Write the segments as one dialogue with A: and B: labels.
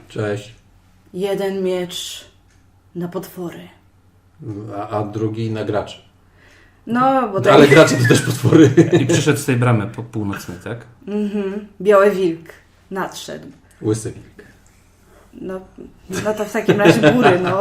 A: Cześć.
B: Jeden miecz na potwory.
A: A drugi na graczy.
B: No, bo
A: Ale gracze to też potwory.
C: I przyszedł z tej bramy po północnej, tak?
B: Biały wilk nadszedł.
A: Łysy wilk.
B: No to w takim razie góry, no.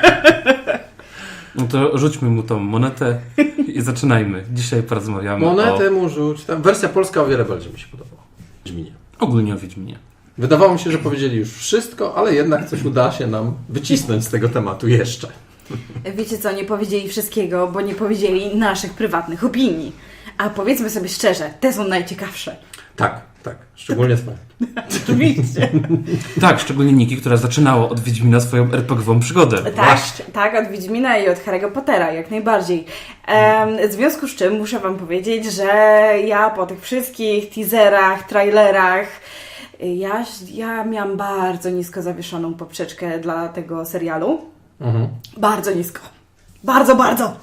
C: No to rzućmy mu tą monetę i zaczynajmy. Dzisiaj porozmawiamy
A: Monetę mu rzuć. Tam wersja polska o wiele bardziej mi się podobała. Wiedźminie.
C: ogólnie o Wiedźminie.
A: Wydawało mi się, że powiedzieli już wszystko, ale jednak coś uda się nam wycisnąć z tego tematu jeszcze.
B: Wiecie co, nie powiedzieli wszystkiego, bo nie powiedzieli naszych prywatnych opinii. A powiedzmy sobie szczerze, te są najciekawsze.
A: Tak. Szczególnie twoje.
B: Oczywiście.
C: Tak, szczególnie Niki, która zaczynała od Wiedźmina swoją RPG-ową przygodę.
B: Tak, od Wiedźmina i od Harry'ego Pottera, jak najbardziej. W związku z czym muszę wam powiedzieć, że ja po tych wszystkich teaserach, trailerach, ja miałam bardzo nisko zawieszoną poprzeczkę dla tego serialu. Bardzo nisko. Bardzo.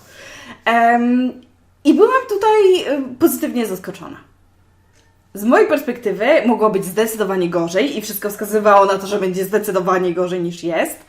B: I byłam tutaj pozytywnie zaskoczona. Z mojej perspektywy mogło być zdecydowanie gorzej i wszystko wskazywało na to, że będzie zdecydowanie gorzej niż jest.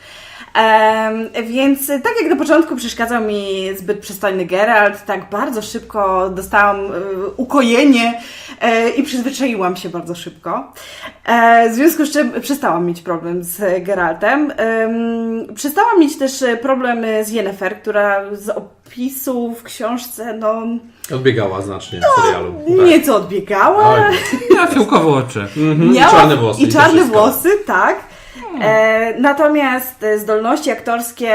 B: Więc tak jak na początku przeszkadzał mi zbyt przystojny Geralt, tak bardzo szybko dostałam ukojenie i przyzwyczaiłam się bardzo szybko. W związku z czym przestałam mieć problem z Geraltem. Przestałam mieć też problem z Yennefer, która z opisu w książce,
A: Odbiegała znacznie w serialu.
B: Nieco odbiegała.
C: Ja fiołkowe oczy.
B: Miała
A: czarne włosy.
B: I czarne włosy, tak. Natomiast zdolności aktorskie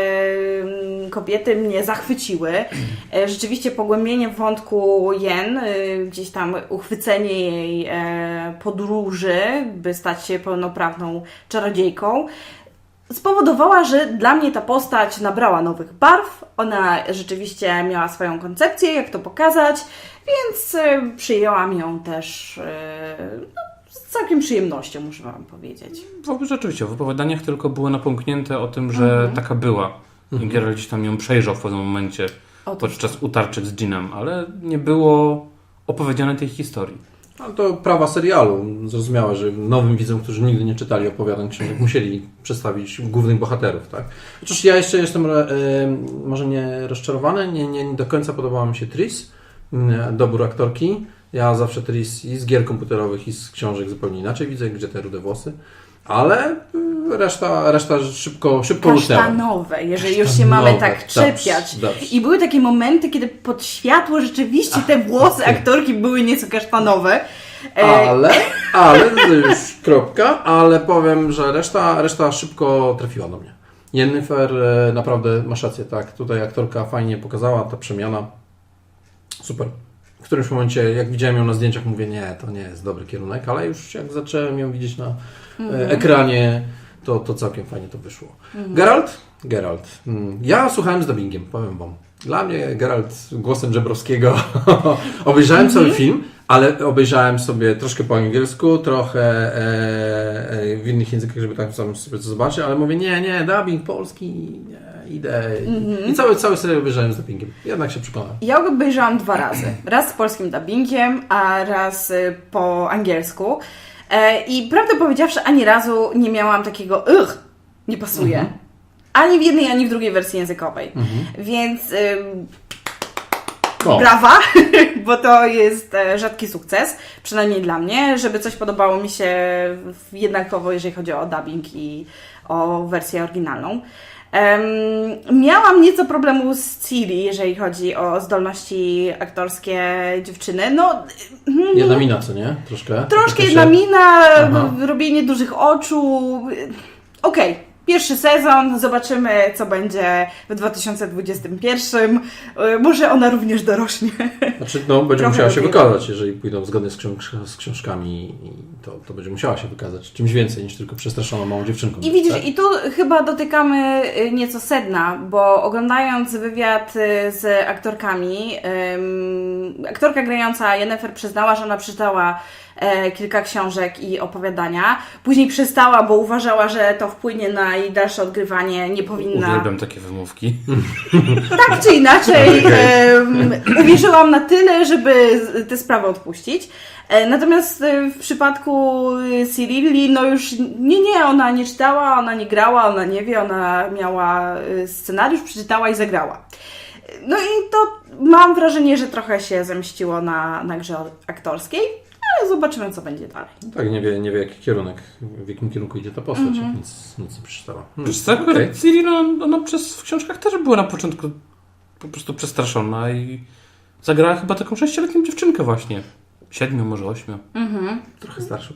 B: kobiety mnie zachwyciły. Rzeczywiście pogłębienie wątku Yen, gdzieś tam uchwycenie jej podróży, by stać się pełnoprawną czarodziejką, spowodowała, że dla mnie ta postać nabrała nowych barw. Ona rzeczywiście miała swoją koncepcję, jak to pokazać, więc przyjęłam ją też z całkiem przyjemnością, muszę wam powiedzieć.
C: Rzeczywiście, w opowiadaniach tylko było napomknięte o tym, że taka była. I Geralt gdzieś tam ją przejrzał w pewnym momencie podczas utarczek z Dżinem, ale nie było opowiedziane tej historii.
A: No to prawa serialu. Zrozumiałe, że nowym widzom, którzy nigdy nie czytali opowiadań książek, musieli przedstawić głównych bohaterów, tak? Chociaż ja jeszcze jestem może nie rozczarowany, nie do końca podobała mi się Triss, dobór aktorki. Ja zawsze Triss i z gier komputerowych, i z książek zupełnie inaczej widzę, gdzie te rude włosy. Ale reszta szybko usnęła.
B: Kasztanowe, jeżeli już się mamy tak czepiać.
A: Dobrze.
B: I były takie momenty, kiedy pod światło rzeczywiście te włosy aktorki były nieco kasztanowe.
A: Ale to już kropka, ale powiem, że reszta szybko trafiła do mnie. Yennefer naprawdę masz rację, tak. Tutaj aktorka fajnie pokazała, ta przemiana. Super. W którymś momencie, jak widziałem ją na zdjęciach, mówię, nie, to nie jest dobry kierunek, ale już jak zacząłem ją widzieć na ekranie, to całkiem fajnie to wyszło. Geralt. Ja słuchałem z dubbingiem, powiem wam. Dla mnie Geralt głosem Żebrowskiego. Obejrzałem cały film, ale obejrzałem sobie troszkę po angielsku, trochę w innych językach, żeby tak sam sobie to zobaczyć, ale mówię, nie, dubbing polski, nie, idę. I cały serial obejrzałem z dubbingiem. Jednak się przekonałem.
B: Ja go obejrzałam 2 razy. Raz z polskim dubbingiem, a raz po angielsku. I prawdę powiedziawszy, ani razu nie miałam takiego nie pasuje. Ani w jednej, ani w drugiej wersji językowej. Więc brawa, bo to jest rzadki sukces, przynajmniej dla mnie, żeby coś podobało mi się jednakowo, jeżeli chodzi o dubbing i o wersję oryginalną. Miałam nieco problemu z Ciri, jeżeli chodzi o zdolności aktorskie dziewczyny.
A: Jedna mina, co nie? Troszkę
B: jedna mina, robienie dużych oczu. Okej. Pierwszy sezon, zobaczymy co będzie w 2021. Może ona również dorośnie.
A: Znaczy, będzie musiała się wykazać, jeżeli pójdą zgodnie z książkami, to będzie musiała się wykazać czymś więcej niż tylko przestraszoną małą dziewczynką.
B: I widzisz,
A: tak?
B: i tu chyba dotykamy nieco sedna, bo oglądając wywiad z aktorkami, aktorka grająca Yennefer przyznała, że ona przeczytała kilka książek i opowiadania. Później przestała, bo uważała, że to wpłynie na i dalsze odgrywanie nie powinna...
C: Uwielbiam takie wymówki.
B: Tak czy inaczej, uwierzyłam na tyle, żeby tę sprawę odpuścić. Natomiast w przypadku Cyrilli, no już nie, ona nie czytała, ona nie grała, ona nie wie, ona miała scenariusz, przeczytała i zagrała. No i to mam wrażenie, że trochę się zemściło na grze aktorskiej, ale zobaczymy, co będzie dalej.
A: No tak, nie wie jaki kierunek, w jakim kierunku idzie ta postać, nic nie przeczytała.
C: Wiesz co, Ciri, ona w książkach też była na początku po prostu przestraszona i zagrała chyba taką 6-letnią dziewczynkę właśnie. 7, może 8.
A: Trochę starszy.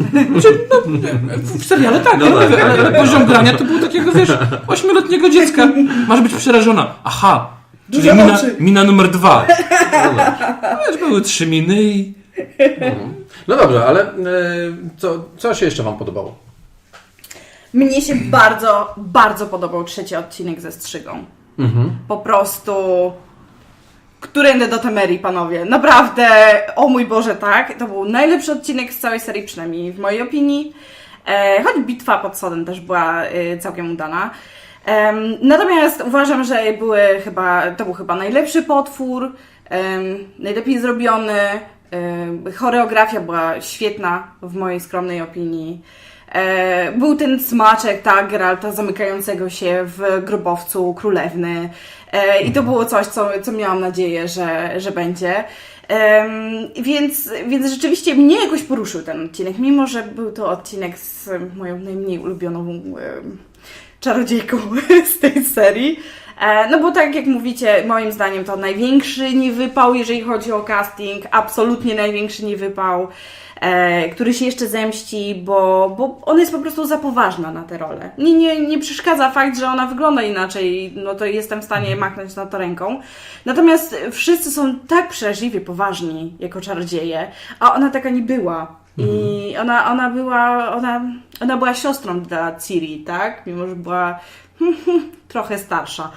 C: W seriale tak, ale poziom grania to był takiego, 8-letniego dziecka. Masz być przerażona. Aha, czyli mina numer 2. Były 3 miny i...
A: No dobrze, ale co się jeszcze Wam podobało?
B: Mnie się bardzo, bardzo podobał 3. odcinek ze strzygą. Po prostu... Którędy do Temerii, panowie. Naprawdę, o mój Boże, tak. To był najlepszy odcinek z całej serii, przynajmniej w mojej opinii. Choć bitwa pod Sodem też była całkiem udana. Natomiast uważam, że to był chyba najlepszy potwór, najlepiej zrobiony. Choreografia była świetna w mojej skromnej opinii. Był ten smaczek, tak, Geralta zamykającego się w grobowcu królewny. I to było coś, co miałam nadzieję, że będzie. Więc rzeczywiście mnie jakoś poruszył ten odcinek, mimo że był to odcinek z moją najmniej ulubioną czarodziejką z tej serii. No bo tak jak mówicie, moim zdaniem to największy niewypał, jeżeli chodzi o casting, absolutnie największy niewypał, który się jeszcze zemści, bo ona jest po prostu za poważna na tę rolę. Nie przeszkadza fakt, że ona wygląda inaczej, no to jestem w stanie machnąć na to ręką. Natomiast wszyscy są tak przeraźliwie poważni jako czarodzieje, a ona taka nie była. I ona była siostrą dla Ciri, tak? Mimo że była trochę starsza.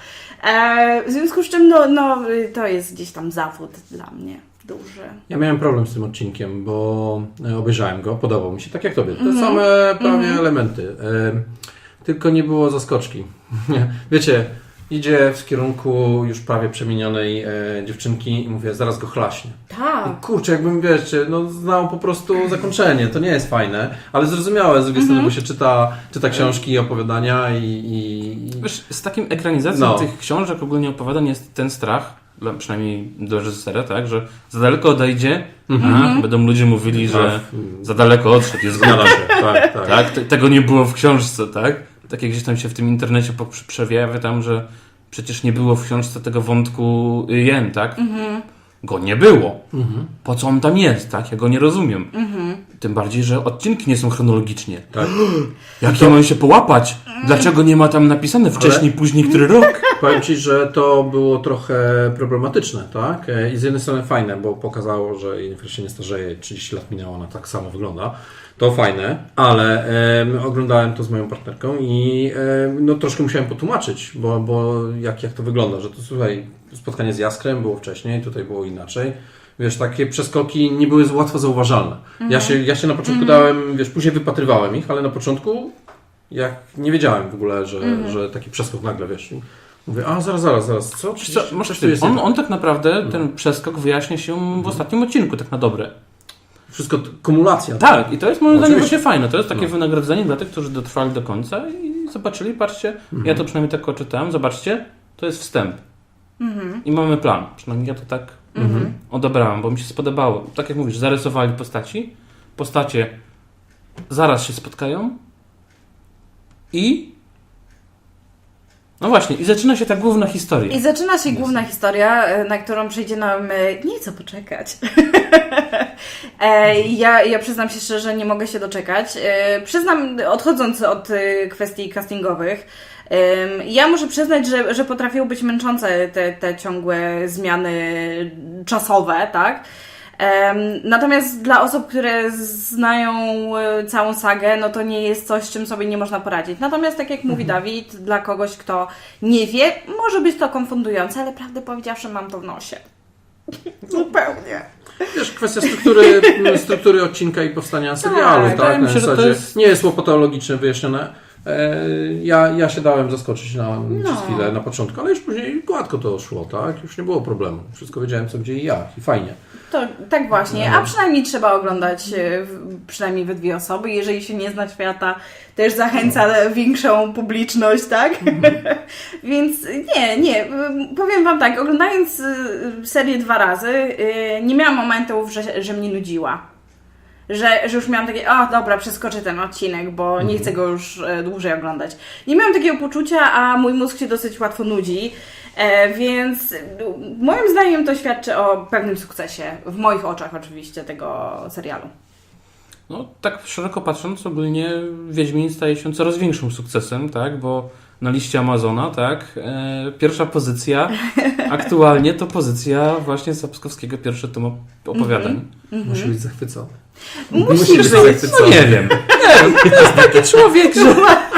B: W związku z czym to jest gdzieś tam zawód dla mnie duży.
A: Ja miałem problem z tym odcinkiem, bo obejrzałem go, podobał mi się, tak jak Tobie. Te same prawie elementy. Tylko nie było zaskoczki. Wiecie, idzie w kierunku już prawie przemienionej dziewczynki i mówię, zaraz go chlaśnie.
B: Tak.
A: I kurczę, jakbym, znał po prostu zakończenie. To nie jest fajne, ale zrozumiałe z drugiej strony, bo się czyta książki i opowiadania i...
C: Wiesz, z takim ekranizacją tych książek, ogólnie opowiadań jest ten strach, przynajmniej dla reżysera, tak, że za daleko odejdzie, będą ludzie mówili, że za daleko odszedł, jest zgoda. Tak, tego nie było w książce, tak? Tak jak gdzieś tam się w tym internecie przewija tam, że przecież nie było w książce tego wątku Jen, tak? Go nie było. Po co on tam jest, tak? Ja go nie rozumiem. Tym bardziej, że odcinki nie są chronologicznie. Tak? Jak ja mam się połapać? Dlaczego nie ma tam napisane wcześniej, później, który rok?
A: Powiem Ci, że to było trochę problematyczne, tak? I z jednej strony fajne, bo pokazało, że Yennefer się nie starzeje, 30 lat minęło, ona tak samo wygląda. To fajne, ale oglądałem to z moją partnerką i troszkę musiałem potłumaczyć, bo jak to wygląda, że to słuchaj, spotkanie z Jaskrem było wcześniej, tutaj było inaczej. Wiesz, takie przeskoki nie były łatwo zauważalne. Ja się na początku dałem, później wypatrywałem ich, ale na początku nie wiedziałem w ogóle, że taki przeskok nagle, mówię, zaraz, co?
C: On tak naprawdę, ten przeskok wyjaśnia się w ostatnim odcinku, tak na dobre.
A: Wszystko kumulacja.
C: Tak, i to jest moim zdaniem właśnie fajne. To jest takie wynagrodzenie dla tych, którzy dotrwali do końca i zobaczyli, patrzcie, ja to przynajmniej tak odczytałem, zobaczcie, to jest wstęp. I mamy plan. Przynajmniej ja to tak odebrałem, bo mi się spodobało. Tak jak mówisz, zarysowali postacie zaraz się spotkają i no właśnie, i zaczyna się ta główna historia.
B: I zaczyna się główna historia, na którą przyjdzie nam nieco poczekać. Ja przyznam się szczerze, że nie mogę się doczekać. Przyznam, odchodząc od kwestii castingowych, ja muszę przyznać, że potrafiły być męczące te ciągłe zmiany czasowe, tak? Natomiast dla osób, które znają całą sagę, no to nie jest coś, z czym sobie nie można poradzić. Natomiast tak jak mówi Dawid, dla kogoś, kto nie wie, może być to konfundujące, ale prawdę powiedziawszy mam to w nosie. Zupełnie.
A: Wiesz, kwestia struktury odcinka i powstania serialu, tak?
C: Wydaje mi się, że to jest...
A: Nie jest łopatologicznie wyjaśnione. Ja się dałem zaskoczyć przez chwilę na początku, ale już później gładko to szło, tak? Już nie było problemu. Wszystko wiedziałem co, gdzie i jak i fajnie.
B: To tak właśnie, a przynajmniej trzeba oglądać przynajmniej we 2 osoby. Jeżeli się nie zna świata, też zachęca większą publiczność, tak? Więc nie, powiem Wam tak, oglądając serię 2 razy, nie miałam momentów, że mnie nudziła. Że już miałam takie, dobra, przeskoczę ten odcinek, bo nie chcę go już dłużej oglądać. Nie miałam takiego poczucia, a mój mózg się dosyć łatwo nudzi. Więc moim zdaniem to świadczy o pewnym sukcesie, w moich oczach oczywiście, tego serialu.
C: No, tak szeroko patrząc, ogólnie Wiedźmin staje się coraz większym sukcesem, tak, bo na liście Amazona, tak, pierwsza pozycja aktualnie to pozycja właśnie Sapkowskiego, pierwszy tom opowiadań.
A: Musi być zachwycony.
B: Musi być.
C: No nie wiem. To jest taki człowiek, że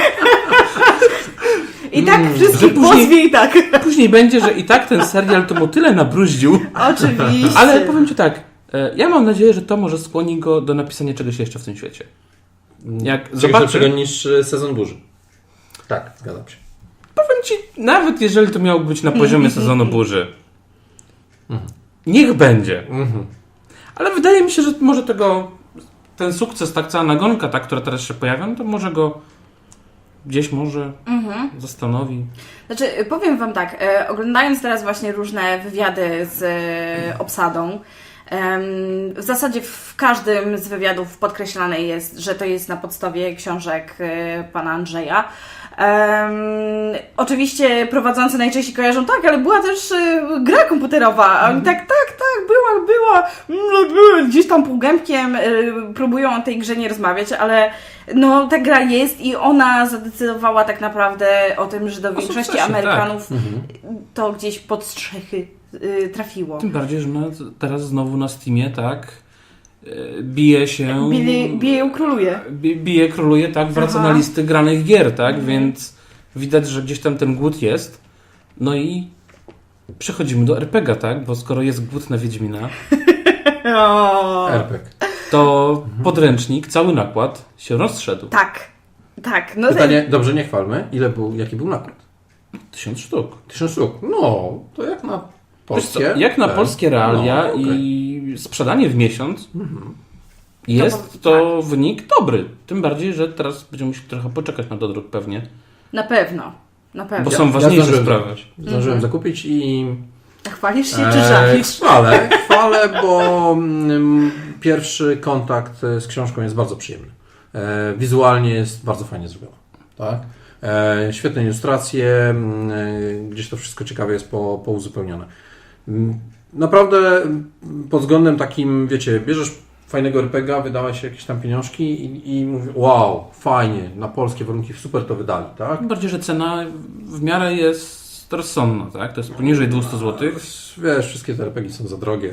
B: I tak wszystkich pozwie i tak.
C: później będzie, że i tak ten serial to mu tyle nabruździł.
B: Oczywiście.
C: Ale powiem Ci tak, ja mam nadzieję, że to może skłoni go do napisania czegoś jeszcze w tym świecie. Jak
A: Czegoś lepszego niż Sezon Burzy. Tak, zgadzam się.
C: Powiem Ci, nawet jeżeli to miało być na poziomie Sezonu Burzy, niech będzie. Ale wydaje mi się, że może ten sukces, tak cała nagonka, ta, która teraz się pojawia, no to może go gdzieś może zastanowi.
B: Znaczy, powiem Wam tak, oglądając teraz właśnie różne wywiady z obsadą, w zasadzie w każdym z wywiadów podkreślane jest, że to jest na podstawie książek pana Andrzeja. Oczywiście prowadzący najczęściej kojarzą, tak, ale była też gra komputerowa, a oni tak, była, gdzieś tam półgębkiem próbują o tej grze nie rozmawiać, ale no ta gra jest i ona zadecydowała tak naprawdę o tym, że do większości
C: sukcesie,
B: Amerykanów to gdzieś pod strzechy trafiło.
C: Tym bardziej, że teraz znowu na Steamie, tak, bije się...
B: Bije króluje.
C: Bije króluje, tak, wraca na listy granych gier, tak, więc widać, że gdzieś tam ten głód jest. No i przechodzimy do RPG, tak, bo skoro jest głód na Wiedźmina,
A: RPG.
C: to podręcznik, cały nakład się rozszedł.
B: Tak. No
A: Pytanie, dobrze, nie chwalmy. Jaki był nakład?
C: 1000 sztuk.
A: 1000 sztuk. No, to jak na polskie.
C: Jak na polskie realia i sprzedanie w miesiąc jest to wynik dobry. Tym bardziej, że teraz będziemy musieli trochę poczekać na dodruk pewnie.
B: Na pewno.
C: Bo są ważniejsze sprawy.
A: Zdążyłem zakupić i...
B: Chwalisz się czy żalisz?
A: Chwalę, bo pierwszy kontakt z książką jest bardzo przyjemny. Wizualnie jest bardzo fajnie zrobione. Tak? Świetne ilustracje, gdzieś to wszystko ciekawie jest pouzupełnione. Naprawdę pod względem takim, wiecie, bierzesz fajnego RPG, wydałeś jakieś tam pieniążki i mówię, wow, fajnie, na polskie warunki super to wydali, tak?
C: Tym bardziej, że cena w miarę jest rozsądna, tak? To jest poniżej 200 zł.
A: Wiesz, wszystkie te RPG są za drogie,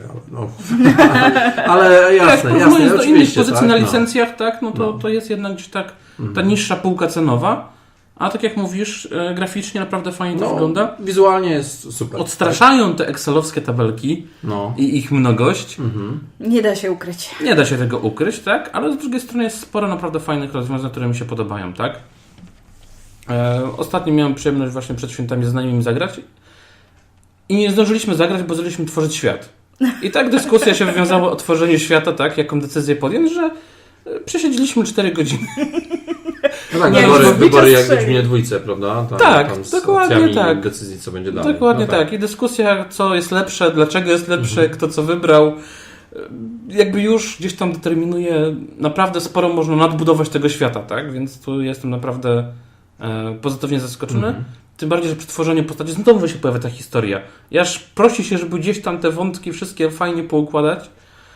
A: ale jasne,
C: porównując do innych
A: oczywiście,
C: pozycji
A: tak,
C: na licencjach, tak? To jest jednak gdzieś tak ta niższa półka cenowa. A tak jak mówisz, graficznie naprawdę fajnie to wygląda.
A: Wizualnie jest super.
C: Odstraszają te excelowskie tabelki i ich mnogość.
B: Nie da się ukryć.
C: Nie da się tego ukryć, tak? Ale z drugiej strony jest sporo naprawdę fajnych rozwiązań, które mi się podobają, tak? Ostatnio miałem przyjemność właśnie przed świętami z znajomymi zagrać i nie zdążyliśmy zagrać, bo zaczęliśmy tworzyć świat. I tak dyskusja się wywiązała o tworzeniu świata, tak? Jaką decyzję podjąć, że przesiedzieliśmy 4 godziny.
A: No tak, wybory jak w Wiedźminie dwójce, prawda?
C: Tak, dokładnie tak.
A: Decyzji, co będzie dalej.
C: Dokładnie tak. I dyskusja, co jest lepsze, dlaczego jest lepsze, kto co wybrał. Jakby już gdzieś tam determinuje, naprawdę sporo można nadbudować tego świata, tak? Więc tu jestem naprawdę pozytywnie zaskoczony. Tym bardziej, że przy tworzeniu postaci znowu się pojawia ta historia. I aż prosi się, żeby gdzieś tam te wątki wszystkie fajnie poukładać.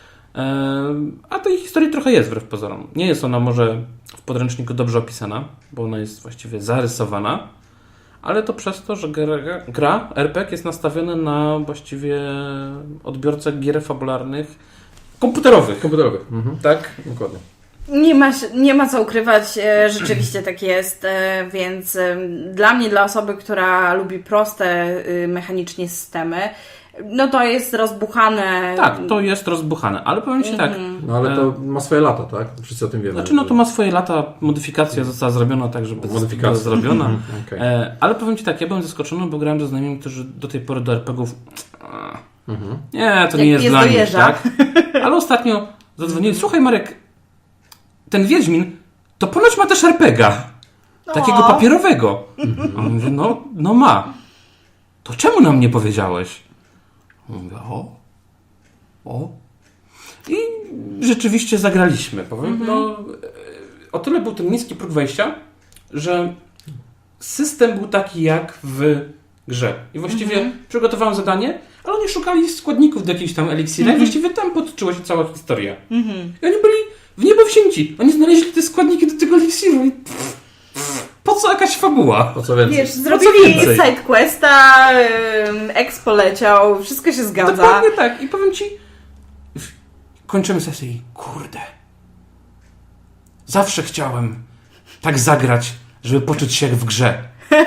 C: A tej historii trochę jest wbrew pozorom. Nie jest ona może w podręczniku dobrze opisana, bo ona jest właściwie zarysowana, ale to przez to, że gra RPG jest nastawiona na właściwie odbiorcę gier fabularnych komputerowych. Tak?
A: Dokładnie.
B: Nie ma co ukrywać, rzeczywiście tak jest, więc dla mnie, dla osoby, która lubi proste mechanicznie systemy, No to jest rozbuchane.
C: Tak, to jest rozbuchane, ale powiem Ci tak.
A: No ale to ma swoje lata, tak? Wszyscy o tym wiemy.
C: Znaczy, no to ma swoje lata, modyfikacja została zrobiona tak, żeby była zrobiona.
A: Okay.
C: Ale powiem Ci tak, ja byłem zaskoczony, bo grałem ze znajomymi, którzy do tej pory do RPG-ów nie, to nie jest dla nich, tak? Ale ostatnio zadzwonili, słuchaj Marek, ten Wiedźmin to ponoć ma też RPG-a. Takiego papierowego. A on mówi, no ma. To czemu nam nie powiedziałeś? Mówię, o. I rzeczywiście zagraliśmy, powiem. No, o tyle był ten niski próg wejścia, że system był taki jak w grze. I właściwie przygotowałem zadanie, ale oni szukali składników do jakichś tam eliksira i właściwie tam potoczyła się cała historia. I oni byli w niebo wzięci. Oni znaleźli te składniki do tego eliksiru i po co jakaś fabuła?
A: Po co więcej?
B: Wiesz, zrobili sidequesta, Expo leciał, wszystko się zgadza.
C: Dokładnie tak. I powiem Ci, kończymy sesję i kurde, zawsze chciałem tak zagrać, żeby poczuć się jak w grze.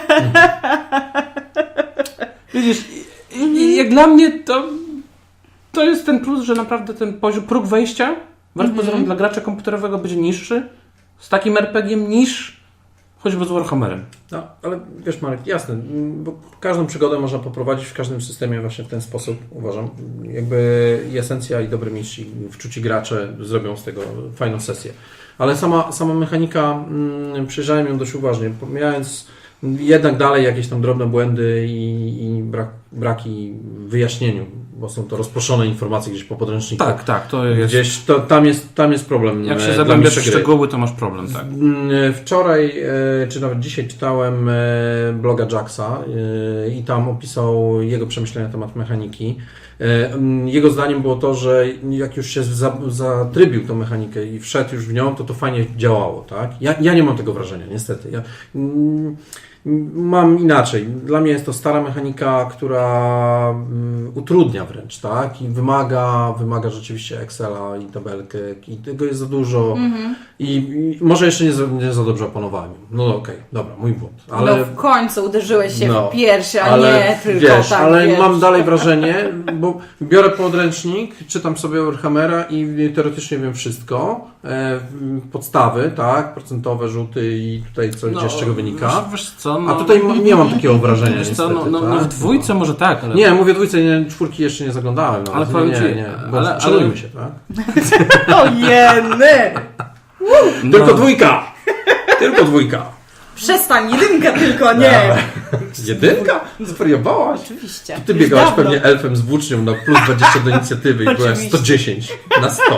C: Widzisz, i jak dla mnie to jest ten plus, że naprawdę ten poziom, próg wejścia wbrew pozorom dla gracza komputerowego będzie niższy z takim RPG-iem niż choćby z Warhammerem.
A: No, ale wiesz Marek, jasne, bo każdą przygodę można poprowadzić w każdym systemie właśnie w ten sposób, uważam. Jakby i esencja i dobry mistrz i wczuci gracze zrobią z tego fajną sesję. Ale sama mechanika, przyjrzałem ją dość uważnie, pomijając jednak dalej jakieś tam drobne błędy i braki w wyjaśnieniu, bo są to rozproszone informacje gdzieś po podręczniku.
C: Tak, to jest...
A: Gdzieś tam jest problem.
C: Jak się zagłębiasz w szczegóły, to masz problem, tak.
A: Wczoraj, czy nawet dzisiaj czytałem bloga Jacksa i tam opisał jego przemyślenia na temat mechaniki. Jego zdaniem było to, że jak już się zatrybił tą mechanikę i wszedł już w nią, to fajnie działało, tak? Ja nie mam tego wrażenia, niestety. Mam inaczej. Dla mnie jest to stara mechanika, która utrudnia wręcz, tak? I wymaga rzeczywiście Excela i tabelkę i tego jest za dużo i może jeszcze nie za dobrze opanowałem. No okej, dobra, mój błąd. Ale
B: No w końcu uderzyłeś się w pierś, a nie tylko
A: wiesz,
B: tak.
A: Ale
B: wiesz.
A: mam dalej wrażenie, bo biorę podręcznik, czytam sobie Warhammera i teoretycznie wiem wszystko. Podstawy, tak? Procentowe, rzuty i tutaj co gdzie z czego wynika.
C: Wiesz co,
A: A tutaj nie mam takiego wrażenia.
C: Wiesz co,
A: niestety,
C: no w dwójce może tak, ale...
A: Nie, mówię dwójce, czwórki jeszcze nie zaglądałem. No,
C: Ale powiem Ci,
A: nie. Bo szanujmy się, tak?
B: Ojeny!
A: Tylko dwójka! Tylko dwójka!
B: Przestań, jedynka tylko, nie!
A: Jedynka? Zwariowałaś?
B: Oczywiście.
A: Ty
B: Już
A: biegałaś
B: dawno.
A: pewnie elfem z włócznią na plus 20 do inicjatywy i byłaś 110 na 100.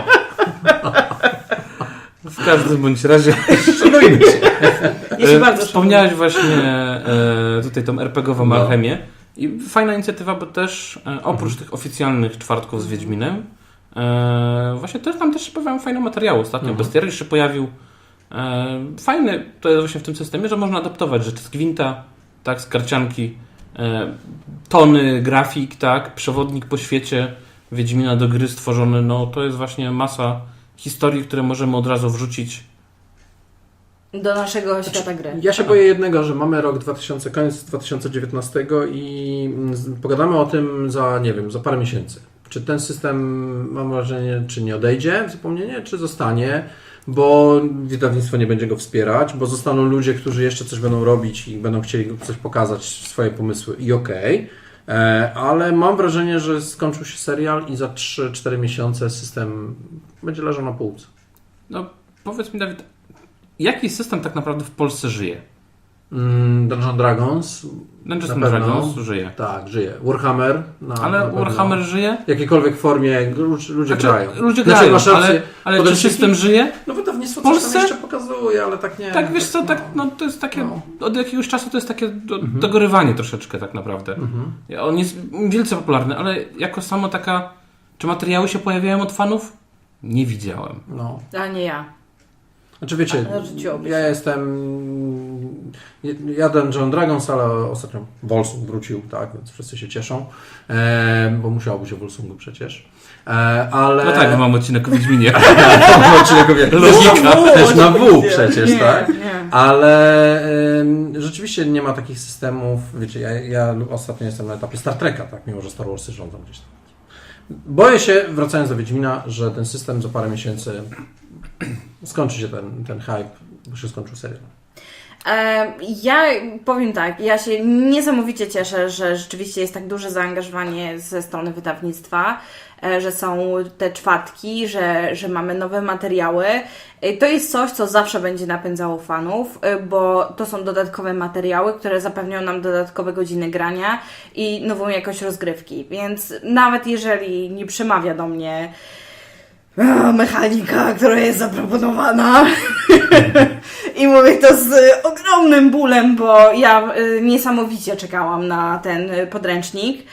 C: W każdym bądź razie...
A: Szanujmy się.
B: Ja się bardzo
C: Wspomniałeś właśnie tutaj tą RPG-ową alchemię i fajna inicjatywa, bo też oprócz tych oficjalnych czwartków z Wiedźminem właśnie tam też się pojawiają fajne materiały. Ostatnio Bestiariusz się pojawił. Fajny to jest właśnie w tym systemie, że można adaptować rzeczy z gwinta, tak, z karcianki, tony grafik, tak, przewodnik po świecie Wiedźmina do gry stworzony, no to jest właśnie masa historii, które możemy od razu wrzucić.
B: Do naszego świata gry.
A: Ja się boję jednego, że mamy rok koniec 2019 i pogadamy o tym za parę miesięcy. Czy ten system, mam wrażenie, czy nie odejdzie w zapomnienie, czy zostanie, bo wydawnictwo nie będzie go wspierać, bo zostaną ludzie, którzy jeszcze coś będą robić i będą chcieli coś pokazać, swoje pomysły i okej. Ale mam wrażenie, że skończył się serial i za 3-4 miesiące system będzie leżał na półce.
C: No powiedz mi, Dawid, jaki system tak naprawdę w Polsce żyje?
A: Dungeons Dragons.
C: Dungeons Dragons żyje.
A: Tak, żyje. Warhammer.
C: Ale Warhammer żyje?
A: W jakiejkolwiek formie ludzie grają.
C: Ludzie grają, ale czy system żyje?
A: No wydawnictwo
C: w Polsce?
A: coś tam jeszcze pokazuje, ale tak nie.
C: Tak, wiesz co, tak, no to jest takie, od jakiegoś czasu to jest takie dogorywanie troszeczkę tak naprawdę. On jest wielce popularny, ale jako samo taka, czy materiały się pojawiają od fanów? Nie widziałem.
A: No.
B: A nie ja.
A: Znaczy wiecie, ja Dungeons Dragons, ale ostatnio Volsung wrócił, tak, więc wszyscy się cieszą, bo musiałoby się Volsungu przecież. Ale...
C: No tak, bo mam odcinek o Wiedźminie.
A: Logika. Też na W przecież,
B: Nie,
A: tak?
B: nie.
A: Ale rzeczywiście nie ma takich systemów, wiecie, ja ostatnio jestem na etapie Star Treka, tak, mimo że Star Warsy rządzą gdzieś tam. Boję się, wracając do Wiedźmina, że ten system za parę miesięcy skończy się ten hype, bo się skończył serial.
B: Ja powiem tak, ja się niesamowicie cieszę, że rzeczywiście jest tak duże zaangażowanie ze strony wydawnictwa, że są te czwartki, że mamy nowe materiały. To jest coś, co zawsze będzie napędzało fanów, bo to są dodatkowe materiały, które zapewnią nam dodatkowe godziny grania i nową jakość rozgrywki. Więc nawet jeżeli nie przemawia do mnie mechanika, która jest zaproponowana i mówię to z ogromnym bólem, bo ja niesamowicie czekałam na ten podręcznik,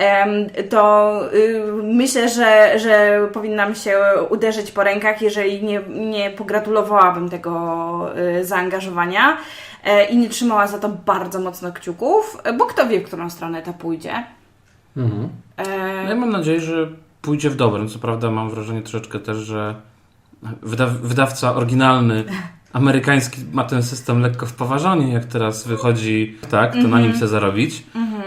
B: to myślę, że powinnam się uderzyć po rękach, jeżeli nie pogratulowałabym tego zaangażowania i nie trzymała za to bardzo mocno kciuków, bo kto wie, w którą stronę to pójdzie.
C: Ja mam nadzieję, że pójdzie w dobrym. Co prawda mam wrażenie troszeczkę też, że wydawca oryginalny amerykański ma ten system lekko w poważaniu, jak teraz wychodzi, tak, to na nim chce zarobić.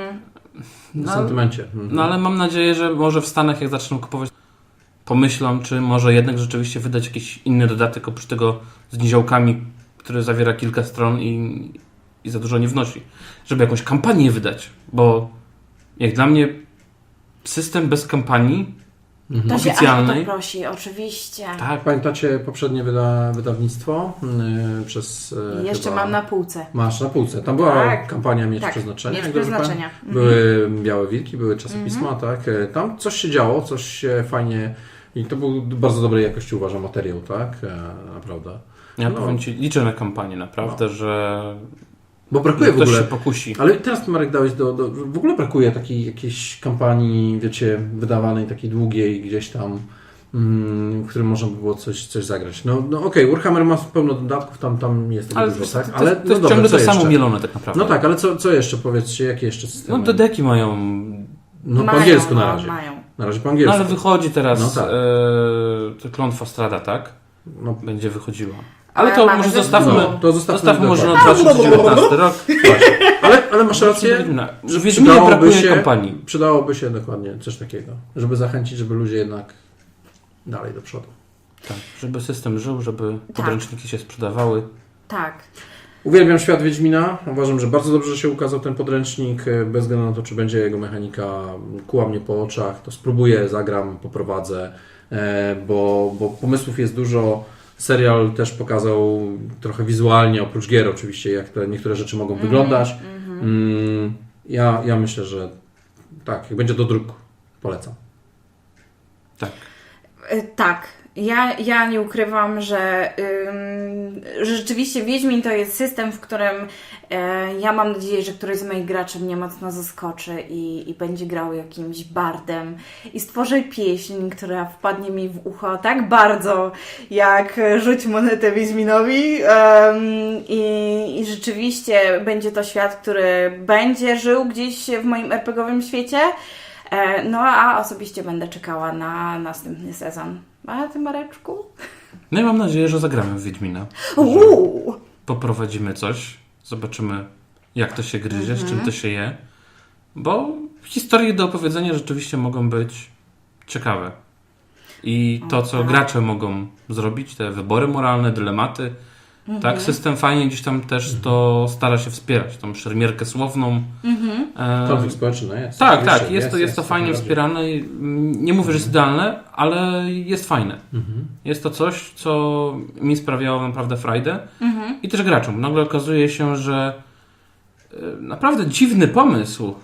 A: W sentymencie.
C: No ale mam nadzieję, że może w Stanach jak zaczną kupować, pomyślą, czy może jednak rzeczywiście wydać jakiś inny dodatek oprócz tego z niziołkami, który zawiera kilka stron i za dużo nie wnosi. Żeby jakąś kampanię wydać, bo jak dla mnie system bez kampanii
B: To
C: oficjalnej.
B: się o to prosi, oczywiście.
A: Tak, pamiętacie poprzednie wydawnictwo przez...
B: Jeszcze
A: chyba...
B: mam na półce.
A: Masz na półce. Tam była
B: Tak.
A: kampania Miecz
B: Tak,
A: Przeznaczenia.
B: Miecz
A: jak dobrze
B: Przeznaczenia.
A: pamiętam. Były Białe Wilki, były czasopisma, tak. Tam coś się działo, coś się fajnie... I to był bardzo dobrej jakości, uważam, materiał, tak. Naprawdę.
C: Ja powiem Ci, liczę na kampanię naprawdę, że
A: bo brakuje w
C: ktoś
A: ogóle...
C: się pokusi.
A: Ale teraz, Marek, dałeś w ogóle brakuje takiej jakiejś kampanii, wiecie, wydawanej, takiej długiej gdzieś tam, w którym można by było coś zagrać. No okej, Warhammer ma pełno dodatków, tam jest tego dużo, tak? Ale
C: to jest ciągle to samo mielone tak naprawdę.
A: No tak, ale co jeszcze, powiedzcie, jakie jeszcze systemy?
C: No dedeki mają...
A: No po angielsku na razie.
B: Mają.
A: Na razie po
C: No
A: angielsku.
C: ale wychodzi teraz
A: No tak.
C: Klątwa Strada, tak?
A: No,
C: Będzie wychodziła. Ale to
B: mamy
C: może
B: zespół.
C: zostawmy,
A: No, to zostawmy
C: może na
A: dokładnie.
C: 2019 rok.
A: ale masz rację,
C: Że w Wiedźminie brakuje kampanii.
A: Przydałoby się dokładnie coś takiego, żeby zachęcić, żeby ludzie jednak dalej do przodu.
C: Tak, żeby system żył, żeby podręczniki się sprzedawały.
B: Tak.
A: Uwielbiam świat Wiedźmina. Uważam, że bardzo dobrze się ukazał ten podręcznik. Bez względu na to, czy będzie jego mechanika kuła mnie po oczach, to spróbuję, zagram, poprowadzę, bo pomysłów jest dużo. Serial też pokazał trochę wizualnie, oprócz gier oczywiście, jak te niektóre rzeczy mogą wyglądać. Ja myślę, że tak, jak będzie do druku, polecam.
C: Tak.
B: Tak. Ja nie ukrywam, że rzeczywiście Wiedźmin to jest system, w którym ja mam nadzieję, że któryś z moich graczy mnie mocno zaskoczy i będzie grał jakimś bardem i stworzy pieśń, która wpadnie mi w ucho tak bardzo, jak Rzuć monetę Wiedźminowi i rzeczywiście będzie to świat, który będzie żył gdzieś w moim RPGowym świecie. No a osobiście będę czekała na następny sezon. A ty, Mareczku?
C: No i mam nadzieję, że zagramy w Wiedźmina. Poprowadzimy coś, zobaczymy jak to się gryzie, z czym to się je. Bo historie do opowiedzenia rzeczywiście mogą być ciekawe. I to, co gracze mogą zrobić, te wybory moralne, dylematy, tak, system fajnie gdzieś tam też to stara się wspierać, tą szermierkę słowną.
A: Konflikt społeczny jest.
C: Tak, jest to fajnie wspierane. Nie mówię, że jest idealne, ale jest fajne. Jest to coś, co mi sprawiało naprawdę frajdę i też graczom. Nagle okazuje się, że naprawdę dziwny pomysł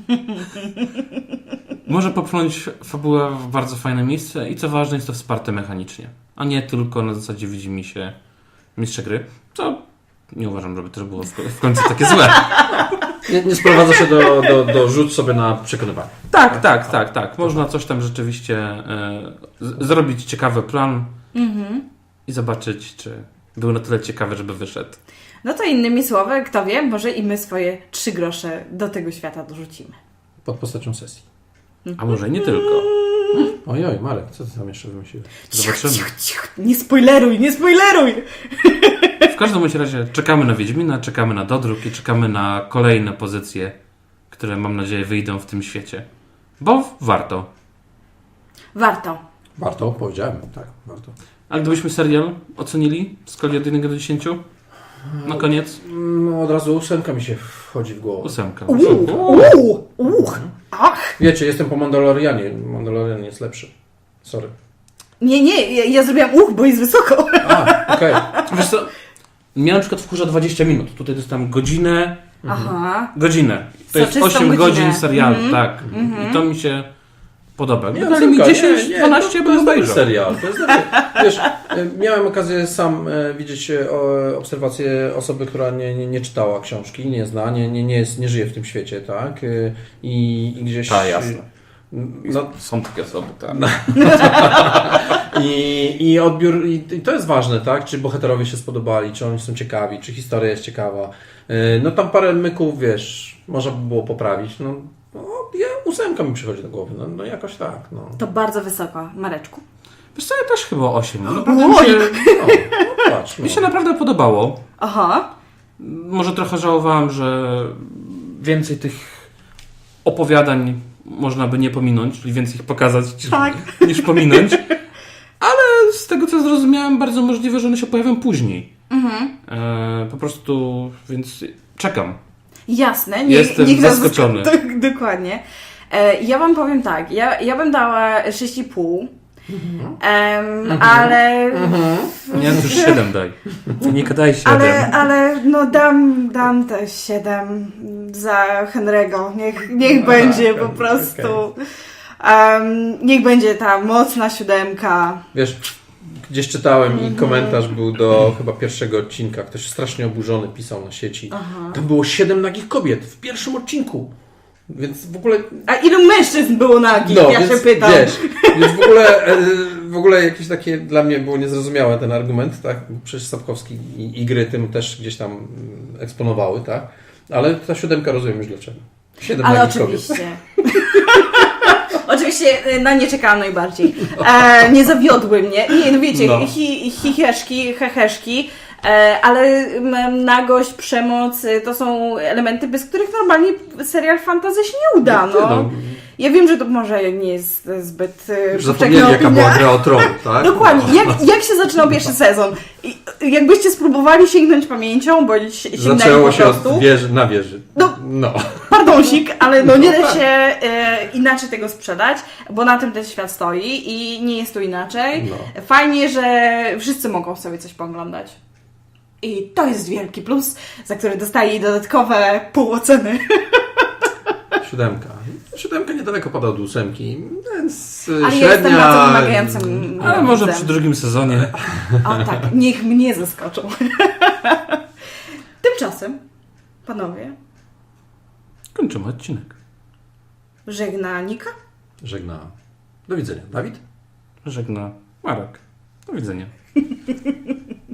C: może popchnąć fabułę w bardzo fajne miejsce i co ważne, jest to wsparte mechanicznie, a nie tylko na zasadzie widzi mi się mistrza gry, co nie uważam, żeby też było w końcu takie złe.
A: Nie sprowadza się do rzut sobie na przekonywanie.
C: Tak. Można coś tam rzeczywiście zrobić ciekawy plan i zobaczyć, czy był na tyle ciekawy, żeby wyszedł.
B: No to innymi słowy, kto wie, może i my swoje 3 grosze do tego świata dorzucimy.
A: Pod postacią sesji.
C: A może i nie tylko.
A: Ojoj, Marek, co ty tam jeszcze wymyśliłeś?
C: Zobaczymy.
B: Cicho. Nie spoileruj!
C: każdym bądź razie czekamy na Wiedźmina, czekamy na dodruk i czekamy na kolejne pozycje, które mam nadzieję wyjdą w tym świecie. Bo warto.
B: Warto.
A: Warto, powiedziałem, tak, warto.
C: A gdybyśmy serial ocenili w skali od 1 do 10? Na koniec?
A: No, od razu 8 mi się wchodzi w głowę.
C: 8.
B: Ach!
A: Wiecie, jestem po Mandalorianie. Mandalorian jest lepszy. Sorry.
B: Nie, ja zrobiłam bo jest wysoko.
A: A, okej.
C: Wiesz co? Mnie na przykład wkurza 20 minut. Tutaj dostałem godzinę.
B: Aha.
C: Godzinę. To jest
B: Soczystą
C: 8
B: godzinę.
C: godzin serialu, tak. I to mi się podoba.
A: Nie,
C: Dali mi
A: córka,
C: 10-12,
A: to
C: bym
A: jest dobry
C: obejrzał.
A: serial. To jest dobry. Wiesz, miałem okazję sam widzieć obserwację osoby, która nie czytała książki, nie zna, nie żyje w tym świecie, tak? I gdzieś...
C: Tak, jasne.
A: No,
C: Są takie osoby, tak.
A: I odbiór, i to jest ważne, tak? Czy bohaterowie się spodobali, czy oni są ciekawi, czy historia jest ciekawa. No tam parę myków, wiesz, można by było poprawić. No 8 mi przychodzi do głowy, no jakoś tak. No.
B: To bardzo wysoko. Mareczku.
C: Wiesz co, ja też chyba 8. Naprawdę
A: Patrz,
C: mi się naprawdę podobało.
B: Aha.
C: Może trochę żałowałem, że więcej tych opowiadań można by nie pominąć, czyli więcej ich pokazać
B: Tak.
C: niż pominąć. Ale z tego co zrozumiałem, bardzo możliwe, że one się pojawią później. Po prostu, więc czekam.
B: Jasne.
C: Jestem
B: niech nas
C: zaskoczony.
B: Dokładnie. Ja wam powiem tak. Ja bym dała 6,5. Ale...
C: Nie, to już 7 daj. Nie daj 7.
B: Ale no dam te 7 za Henry'ego. Niech będzie po prostu. Niech będzie ta mocna 7.
A: Wiesz, gdzieś czytałem i komentarz był do chyba pierwszego odcinka. Ktoś strasznie oburzony pisał na sieci. Tam było 7 nagich kobiet w pierwszym odcinku. Więc w ogóle...
B: A ilu mężczyzn było nagich? Ja
A: więc,
B: się pytam.
A: Wiesz, więc w ogóle jakieś takie dla mnie było niezrozumiałe ten argument, tak? Przecież Sapkowski i gry tym też gdzieś tam eksponowały, tak? Ale ta 7 rozumiem już dlaczego. 7
B: Ale
A: nagich
B: oczywiście.
A: kobiet.
B: Oczywiście na nie czekałam najbardziej. Nie zawiodły mnie. Nie, no wiecie, chicheszki, heheszki, ale nagość, przemoc to są elementy, bez których normalnie serial fantasy się nie uda. No. Ja wiem, że to może nie jest zbyt
A: Zapomnieli, jaka była gra o tron, tak?
B: Dokładnie. Jak się zaczynał pierwszy sezon? I jakbyście spróbowali sięgnąć pamięcią, bo sięgnęli
A: Zaczęło
B: po
A: się
B: prostu.
A: od wieży na wieży.
B: No. Pardonsik, ale no nie da się inaczej tego sprzedać, bo na tym ten świat stoi i nie jest tu inaczej.
A: No.
B: Fajnie, że wszyscy mogą sobie coś pooglądać. I to jest wielki plus, za który dostaje dodatkowe pół oceny.
A: 7. 7 niedaleko pada od 8, więc
B: Ale
A: średnia...
B: jestem bardzo wymagającym.
C: Ale może
B: widzem.
C: przy drugim sezonie.
B: O tak, niech mnie zaskoczą. Tymczasem, panowie,
C: Kończymy odcinek.
B: żegna Nika.
A: Żegna. Do widzenia. Dawid?
C: Żegna Marek. Do widzenia.